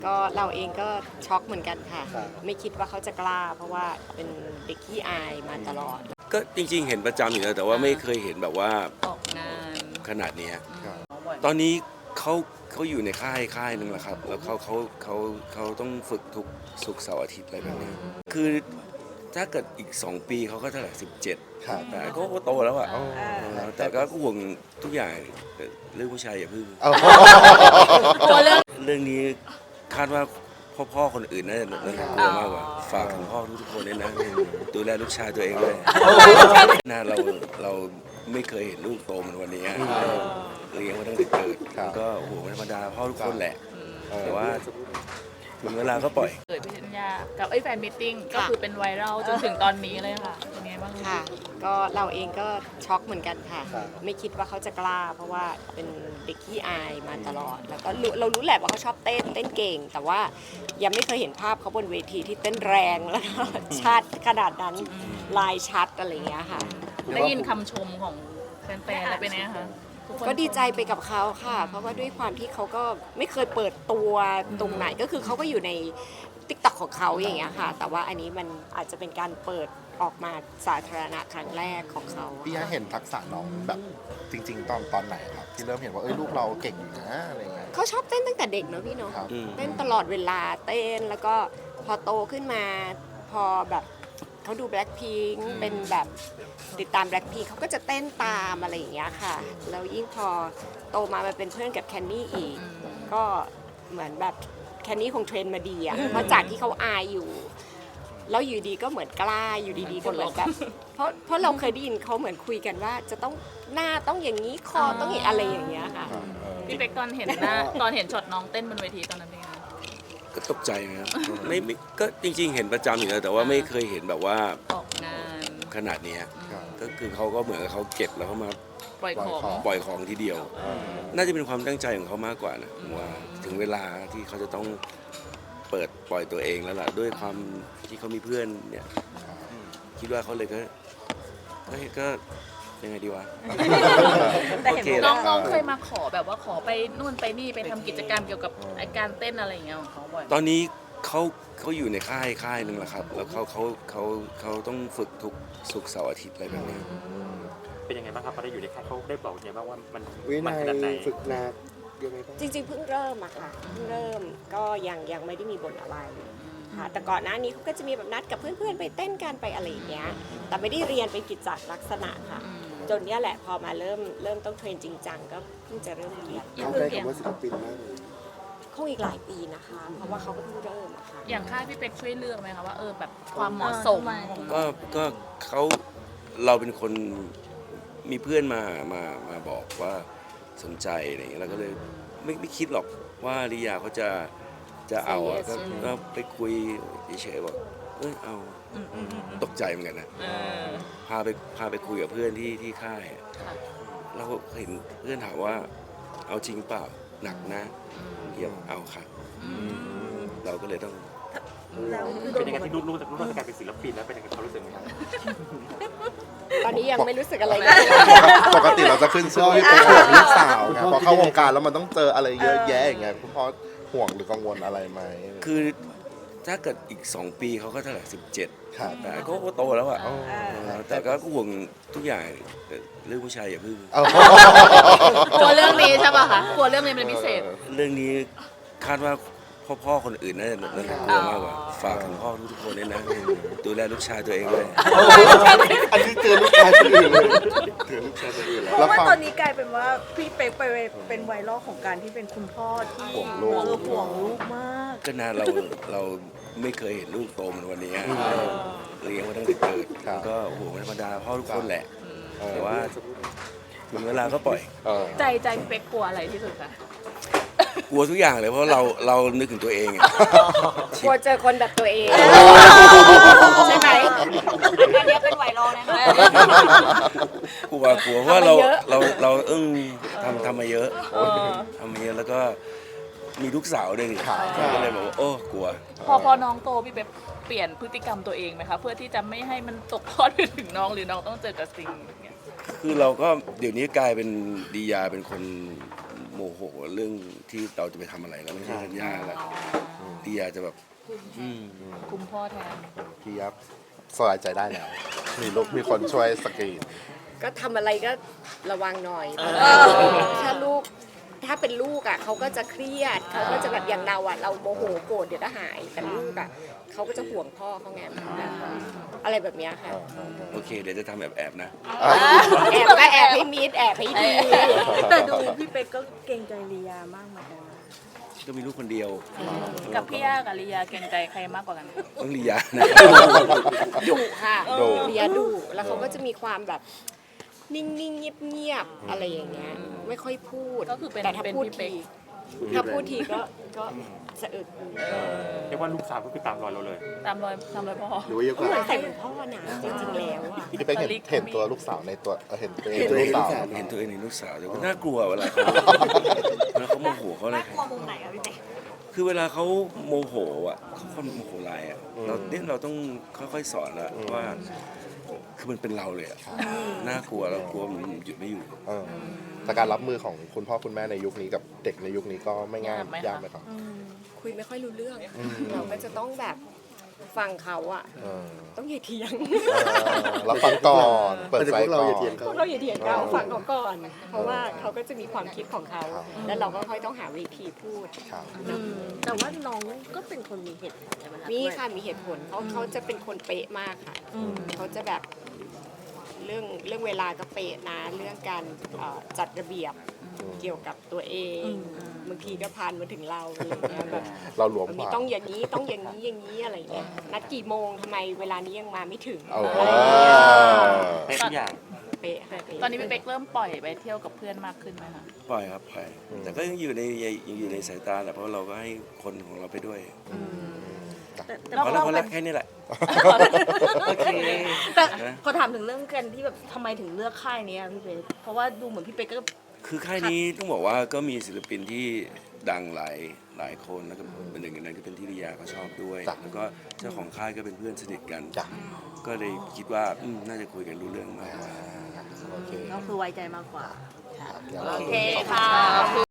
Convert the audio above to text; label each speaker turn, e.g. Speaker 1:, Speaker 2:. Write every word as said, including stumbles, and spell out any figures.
Speaker 1: ก็เราเองก็ช็อกเหมือนกันค่ะไม่คิดว่าเขาจะกล้าเพราะว่าเป็นเด็กขี้อายมาตลอด
Speaker 2: ก็จริงๆเห็นประจำอยู่แล้วแต่ว่าไม่เคยเห็นแบบว่า
Speaker 3: ออกงาน
Speaker 2: ขนาดนี้ตอนนี้เขาเขาอยู่ในค่ายค่ายนึงแหละครับแล้วเขาเขาเขาเขาต้องฝึกทุกศุกร์เสาร์อาทิตย์อะไรแบบนี้คือถ้าเกิดอีกสองปีเขาก็เท่าไหร่สิบเจ็ดแต่ก็โตแล้วอ่ะแต่ก็ห่วงทุกอย่างเรื่องผู้ชายอย่าพึ่งเรื่องนี้คาดว่าพ่อพ่อคนอื่นน่าจะน่าจะกลัวมากกว่าฝากถึงพ่อทุกๆคนด้วยนะดูแลลูกชายตัวเองด้วยนะเราเราไม่เคยเห็นลูกโตเหมือนวันนี้เลี้ยงมาตั้งแต่เกิดก็โอ้โหธรรมดาพ่อทุกคนแหละแต่ว่าถึงเวลาก็ปล่อย
Speaker 3: เกิดพิญญากับไอ้แฟนมิทติ้งก็คือเป็นไวรัลจนถึงตอนนี้เลยค่ะเป็นไงบ้าง
Speaker 1: ค่ะก็เราเองก็ช็อกเหมือนกันค่ะไม่คิดว่าเขาจะกล้าเพราะว่าเป็นเด็กขี้อายมาตลอดแล้วก็เรารู้แหละว่าเขาชอบเต้นเต้นเก่งแต่ว่ายังไม่เคยเห็นภาพเขาบนเวทีที่เต้นแรงแล้วก็ชัดขนาดนั้นลายชัดอะไรอย่างเงี้ยค่ะ
Speaker 3: ได้ยินคำชมของแฟนๆแล้วเป็นไงคะ
Speaker 1: ก็ดีใจไปกับเขาค่ะเพราะว่าด้วยความที่เขาก็ไม่เคยเปิดตัวตรงไหนก็คือเขาก็อยู่ใน ติ๊กต็อก ของเขาอย่างเงี้ยค่ะแต่ว่าอันนี้มันอาจจะเป็นการเปิดออกมาสาธารณะครั้งแรกของเขา
Speaker 4: พี่เห็นทักษะน้องแบบจริงๆตอนตอนไหนครับที่เริ่มเห็นว่าเอ้ยลูกเราเก่งอยู่นะอะไรเงี้ย
Speaker 1: เขาชอบเต้นตั้งแต่เด็กเนอะพี่เนาะเต้นตลอดเวลาเต้นแล้วก็พอโตขึ้นมาพอแบบเขาดู Blackpink เป็นแบบติดตาม Blackpink เขาก็จะเต้นตามอะไรอย่างเงี้ยค่ะแล้วยิ่งพอโตมามาเป็นเพื่อนกับแคนนี่อีกก็เหมือนแบบแคนนี่คงเทรนมาดีอ่ะเพราะจากที่เขาอายอยู่แล้วอยู่ดีก็เหมือนกล้าอยู่ดีๆก็เหมือนแบบเพราะเพราะเราเคยได้ยินเขาเหมือนคุยกันว่าจะต้องหน้าต้องอย่างนี้คอต้องอย่างอะไรอย่างเงี้ยค่ะ
Speaker 3: พี่เป๊กตอนเห็นหน้าตอนเห็นช็อตน้องเต้นบนเวทีตอนนั้นเป็นไง
Speaker 2: ก็ตกใจนะครับไม่ก็จริงๆเห็นประจำอยู่แล้วแต่ว่าไม่เคยเห็นแบบว่า
Speaker 3: ออกงาน
Speaker 2: ขนาดนี้ก็คือเขาก็เหมือนเขาเก็บแล้วเขามา
Speaker 3: ปล่อยของ
Speaker 2: ปล่อยของทีเดียวน่าจะเป็นความตั้งใจของเขามากกว่านะว่าถึงเวลาที่เขาจะต้องเปิดปล่อยตัวเองแล้วล่ะด้วยความที่เขามีเพื่อนเนี่ยคิดว่าเขาเลยก็ก็ก็ยังไงดีวะ
Speaker 3: แต่เห็นน้องๆเคยมาขอแบบว่าขอไปนู่นไปนี่ไปทำกิจกรรมเกี่ยวกับการเต้นอะไรอย่างเงี้ยของเขาบ่อย
Speaker 2: ตอนนี้เขาเขาอยู่ในค่ายค่ายนึงแหละครับแล้วเขาเขาเขาเขาต้องฝึกทุกศุกร์เสาร์อาทิตย์อะไรแบบนี้
Speaker 5: เป็นยังไงบ้างครับพอได้อยู่ในค่ายเขาได้บอกยังไงบ้างว่ามัน
Speaker 4: วินัยฝึกหนัก
Speaker 1: จริงๆเพิ่งเริ่มอะค่ะเพิ่งเริ่มก็ยังยังไม่ได้มีบทอะไรค่ะแต่ก่อนหน้านี้เขาก็จะมีแบบนัดกับเพื่อนๆไปเต้นกันไปอะไรอย่างเงี้ยแต่ไม่ได้เรียนเป็นกิจจลักษณะค่ะจนเนี้ยแหละพอมาเริ่มเริ่มต้องเทรนจริงจังก็เพิ่งจะเริ่มเรียน
Speaker 4: เขาได้คำว่าศิลปินมากเลย
Speaker 1: คงอีกหลายปีนะคะเพราะว่าเขาก็เพิ่งเริ่มอะค่ะ
Speaker 3: อย่างค่ายพี่เป็กช่วยเลือกไหมคะว่าเออแบบความเหมาะสม
Speaker 2: ก็ก็เขาเราเป็นคนมีเพื่อนมามามาบอกว่าสนใจอะไรอย่างเงี้ยเราก็เลยไม่ไม่คิดหรอกว่าริยาเขาจะจะเอาก็ก็ไปคุยเฉยๆบอกเออเอาตกใจเหมือนกันนะพาไปพาไปคุยกับเพื่อนที่ที่ค่ายเราเห็นเพื่อนถามว่าเอาจริงเปล่าหนักนะเดี๋ยวเอาค่ะเราก็เลยต้อง
Speaker 5: เป็นยังไงที่รู้ๆจากรู้ๆจากการเป็นศิลปินแล้วเป็นยังไงเขารู้สึกไหมครับ
Speaker 1: ตอนนี้ยังไม่รู้สึกอะไร
Speaker 4: ปกติเราจะขึ้นชื่อที่เป็นห่วงลูกสาวไงพอเข้าวงการแล้วมันต้องเจออะไรเยอะแยะอย่างเงี้ยคุณพ่อห่วงหรือกังวลอะไรไหม
Speaker 2: คือถ้าเกิดอีกสองปีเขาก็เท่าไหร่สิบเจ็ดแต่ก็โตแล้วอ่ะแต่ก็ห่วงทุกอย่างเรื่องผู้ชายอย่าพึ่ง
Speaker 3: กลัวเรื่องนี้ใช่ป่ะคะกลัวเรื่องนี้เป็นพิเศษ
Speaker 2: เรื่องนี้คาดว่าพ่อพ่อคนอื่นน่าจะน่าจะกลัวมากกว่าฝากถึงพ่อทุกๆคนด้วยนะดูแลลูกชายตัวเองด้วย
Speaker 4: อันนี้เจอลูกชายคนอื่นเลยเจอลูกชายคนอื่นแล้ว
Speaker 6: เพราะว่าตอนนี้กลายเป็นว่าพี่เป๊กไปเป็นไวรัลของการที่เป็นคุณพ่อที่
Speaker 4: ห่วงลูก
Speaker 6: ห่วงลูกมาก
Speaker 2: ก็นานเราเราไม่เคยเห็นลูกโตเหมือนวันนี้เลี้ยงมาตั้งแต่เกิดก็โอ้โหธรรมดาพ่อทุกคนแหละแต่ว่าถึงเวลาก็ปล่อย
Speaker 3: ใจใจพี่เป๊กกลัวอะไรที่สุดคะ
Speaker 2: กลัวทุกอย่างเลยเพราะเราเรานึกถึงตัวเอง
Speaker 1: กลัวเจอคนแบบตัวเองใช่ไหมอันนี้เป็นไวรัลนะคะ
Speaker 2: กลัวกลัวเพราะเราเราเราอึ้งทำทำมาเยอะทำมาเยอะแล้วก็มีลูกสาวด้วยนี่ก็เลยบอกว่าโอ้กลัว
Speaker 3: พอพอน้องโตพี่เป๊กเปลี่ยนพฤติกรรมตัวเองไหมคะเพื่อที่จะไม่ให้มันตกทอดไปถึงน้องหรือน้องต้องเจอกับสิ่งอย่างเงี้ย
Speaker 2: คือเราก็เดี๋ยวนี้กลายเป็นดียาเป็นคนโมโมโหเรื่องที่เราจะไปทำอะไรแล้วไม่ใช่ธัญญาแล้วลียาจะแบบอืม
Speaker 3: คุมพ่อแทน
Speaker 4: พี่ยับสบายใจได้แล้ว มีลูกมีคนช่วยสกรีน
Speaker 1: ก็ทำอะไรก็ระวังหน่อยถ้าลูกถ้าเป็นลูกอ่ะเขาก็จะเครียดเขาก็จะแบบอย่างเราอ่ะเราโมโหโกรธเดี๋ยวก็หายแต่ลูกอ่ะเขาก็จะห่วงพ่อเขาไงอะไรแบบเนี้ยค่ะ
Speaker 2: โอเค เดี๋ยวจะทำแบบแอบนะ
Speaker 1: แอบก็แอบให้มิดแอบให้ดี
Speaker 6: แต่ดูพี่เป๊กก็เกรงใจลียามากเหมือนกันนะ
Speaker 2: ก็มีลูกคนเดียว
Speaker 3: กับพี่ย่ากับลียาเกรงใจใครมากกว่ากัน
Speaker 2: ต้องลียานะ
Speaker 1: ดุค่ะ
Speaker 4: ดุ
Speaker 1: เบียดุแล้วเขาก็จะมีความแบบนิ่งๆเงียบๆอะไรอย่างเงี้ยไม่ค่อยพูด
Speaker 3: ก็คือเป็น
Speaker 1: แต่ถ้า
Speaker 3: เป็น
Speaker 1: พูด
Speaker 3: พี่เป๊
Speaker 1: ที
Speaker 3: ก
Speaker 1: ถ้าพูดทีก็ก็สะอึก
Speaker 5: เรียกว่าลูกสาวก็คือตามรอยเราเลย
Speaker 3: ตามรอยตามรอยพ่อ
Speaker 4: หรือว่าเยอะก
Speaker 1: ก็เหมือน
Speaker 4: ว่า
Speaker 1: ใส่เหมือนพ่อนะจริงๆแล้วอะ
Speaker 4: พี่เป๊กเห็นเห็นตัวลูกสาวในตัวเออเห็นตัวเอง
Speaker 2: เห็น
Speaker 4: เป็น
Speaker 2: ตัวเอ
Speaker 4: ลู
Speaker 2: ง
Speaker 4: กสาว
Speaker 2: เห็นตัวเองในลูกสาวแต่ว่าน่ากลัวเวลาเขาเวลาเขาโมโหเขาอะไร
Speaker 6: กลัวมุมไหนอะพี่เป๊ก
Speaker 2: คือเวลาเขาโมโหอ่ะเขาคนโมโหร้ายอ่ะเราเนี่ยเราต้องค่อยๆสอนละว่าคือมันเป็นเราเลยอ่ะน่ากลัวเรากลัวมันหยุดไม่อยู่
Speaker 4: เออแต่การรับมือของคุณพ่อคุณแม่ในยุคนี้กับเด็กในยุคนี้ก็ไม่ง่าย
Speaker 3: ยากไหมคะ
Speaker 4: ยากไหมครับ
Speaker 1: คุยไม่ค่อยรู้เรื่อง เราก็จะต้องแบบฟังเขาอะ
Speaker 4: เออ
Speaker 1: ต้องอย่าเถียง
Speaker 4: เออรับฟังก่อนเปิดใจก่อน
Speaker 1: พวกเราอย่าเถียงเขาฟังเขาก่อน เพราะว่าเขาก็จะมีความคิดของเขา
Speaker 4: ครับ
Speaker 1: แล้วเราก็ค่อยต้องหาวิธีพูด
Speaker 4: ครับ
Speaker 6: แต่ว่าน้องก็เป็นคนมีเหตุผลใช่ไหมคะ
Speaker 1: มีค่ะมีเหตุผลเขาเขาจะเป็นคนเป๊ะมากค่ะเขาจะแบบเรื่องเรื่องเวลาก็เป๊ะนะเรื่องการเอ่อจัดระเบียบเกี่ยวกับตัวเองบางทีก็พานมาถึงเราอะไรอย่างเงี้ยแบบ
Speaker 4: เราหลวม
Speaker 1: มัน
Speaker 4: ก
Speaker 1: มี
Speaker 4: ว่า
Speaker 1: ต้องอย่างนี้ต้องอย่างนี้อย่างนี้อะไรเงี้ยนัดกี่โมงทำไมเวลานี้ยังมาไม่ถึง
Speaker 4: เอา
Speaker 1: อะไรอย่างเงี้ย
Speaker 5: เป๊ะทุกอย่าง
Speaker 1: เป๊ะค่ะเป๊ะ
Speaker 3: ตอนนี้พี่เป๊กเริ่มปล่อยไปเที่ยวกับเพื่อนมากขึ้นไหมคะ
Speaker 2: ปล่อยครับปล่อยแต่ก็ยังอยู่ในยังอยู่ในสายตาแหละเพราะเราก็ให้คนของเราไปด้วย
Speaker 6: แต่แต่
Speaker 2: พอแล้วพอแล้วแค่นี้แหละ
Speaker 3: โอเค
Speaker 6: แต่พอถามถึงเรื่องกันที่แบบทำไมถึงเลือกค่ายนี้อะพี่เป๊กเพราะว่าดูเหมือนพี่เป๊กก็
Speaker 2: คือค่ายนี้ต้องบอกว่าก็มีศิลปินที่ดังหลายหลายคนแล้วก็เป็นหนึ่งในนั้นก็เป็นที่ริยาเขาชอบด้วย
Speaker 4: จ้ะ
Speaker 2: แล้วก็เจ้าของค่ายก็เป็นเพื่อนสนิทกัน
Speaker 4: จ้ะ
Speaker 2: ก็เลยคิดว่าอืมน่าจะคุยกันรู้เรื่องมากกว่า
Speaker 4: โอเค
Speaker 6: ก็คือไว้ใจมากกว่า
Speaker 4: เดี๋ยว
Speaker 3: โอ
Speaker 4: เรา
Speaker 3: เคค่ะ